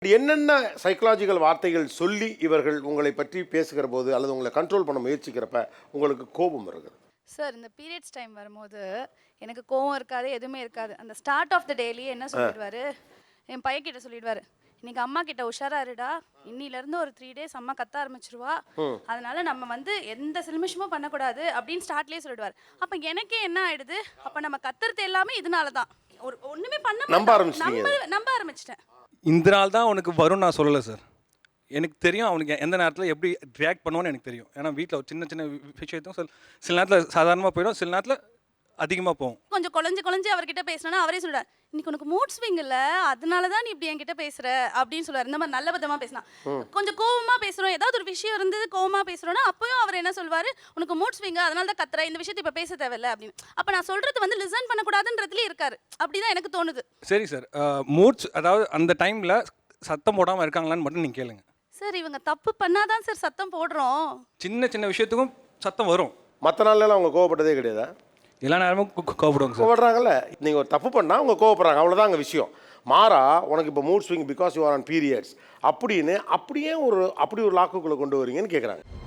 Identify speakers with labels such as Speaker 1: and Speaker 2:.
Speaker 1: என்னென்ன சைக்கலாஜிக்கல் வார்த்தைகள் சொல்லி இவர்கள் உங்களை பற்றி பேசுகிற போது அல்லது உங்களை கண்ட்ரோல் பண்ண முயற்சிக்கிறப்ப உங்களுக்கு கோபம் வருகிறது?
Speaker 2: சார் இந்த பீரியட்ஸ் டைம் வரும்போது எனக்கு கோவம் இருக்காது, எதுவுமே இருக்காது. அந்த ஸ்டார்ட் ஆஃப் த டேலியே என்ன சொல்லிடுவாரு, என் பையன்கிட்ட சொல்லிடுவாரு, இன்னைக்கு அம்மா கிட்ட உஷாரா இருடா, இன்னிலேருந்து ஒரு 3 days அம்மா கத்த ஆரம்பிச்சிருவா, அதனால நம்ம வந்து எந்த சில்மிஷமும் பண்ணக்கூடாது அப்படின்னு ஸ்டார்ட்லேயே சொல்லிடுவார். அப்போ எனக்கே என்ன ஆயிடுது, அப்போ நம்ம கத்துறது எல்லாமே இதனால தான். ஒன்றுமே பண்ண நம்ப ஆரம்பிச்சிட்டேன்.
Speaker 3: இந்த நாள் தான் உனக்கு வரும் நான் சொல்லலை சார். எனக்கு தெரியும் அவனுக்கு எந்த நேரத்தில் எப்படி ரியாக்ட் பண்ணுவான்னு எனக்கு தெரியும். ஏன்னா வீட்டில் ஒரு சின்ன சின்ன விஷயத்தும் சில நேரத்தில் சாதாரணமாக போயிடும், சில நேரத்தில் அதிகமாக போகும்.
Speaker 2: கொஞ்சம் குழஞ்சு அவர்கிட்ட பேசினா அவரே சொல்றாரு, இன்னைக்கு உனக்கு மூட் ஸ்விங் இல்ல, அதனால தான் நீ இப்படி என்கிட்ட பேசுற அப்படின்னு சொல்றாரு. இந்த மாதிரி நல்ல விதமா பேசினா. கொஞ்சம் கோவமா பேசுறோம், ஏதாவது ஒரு விஷயம் இருந்தது கோவமா பேசுறோம்னா அப்பயும் அவர் என்ன சொல்வாரு, உனக்கு மூட் ஸ்விங் அதனால தான் கத்துற, இந்த விஷயத்தை இப்ப பேச தேவையில்ல அப்படின்னு. அப்ப நான் சொல்றது வந்து லிசன் பண்ணக்கூடாதுன்றதுல இருக்காரு. அப்படிதான் எனக்கு தோணுது.
Speaker 3: சரி சார், மூட்ஸ் அதாவது அந்த டைமில் சத்தம் போடாமல் இருக்காங்களான்னு மட்டும் நீங்கள் கேளுங்க
Speaker 2: சார். இவங்க தப்பு பண்ணாதான் சார் சத்தம் போடுறோம்.
Speaker 3: சின்ன சின்ன விஷயத்துக்கும் சத்தம் வரும்.
Speaker 1: மற்ற நாள்லாம் அவங்க கோவப்பட்டதே கிடையாதா?
Speaker 3: எல்லா நேரமும் கோவப்படுவாங்க சார்.
Speaker 1: கோவப்படுறாங்கல்ல, நீங்கள் ஒரு தப்பு பண்ணால் அவங்க கோவப்படுறாங்க, அவ்வளோதான் அங்கே விஷயம். மாறா உனக்கு இப்போ mood swing because you are on periods அப்படின்னு அப்படி ஒரு லாக்குக்குள்ளே கொண்டு வரீங்கன்னு கேட்குறாங்க.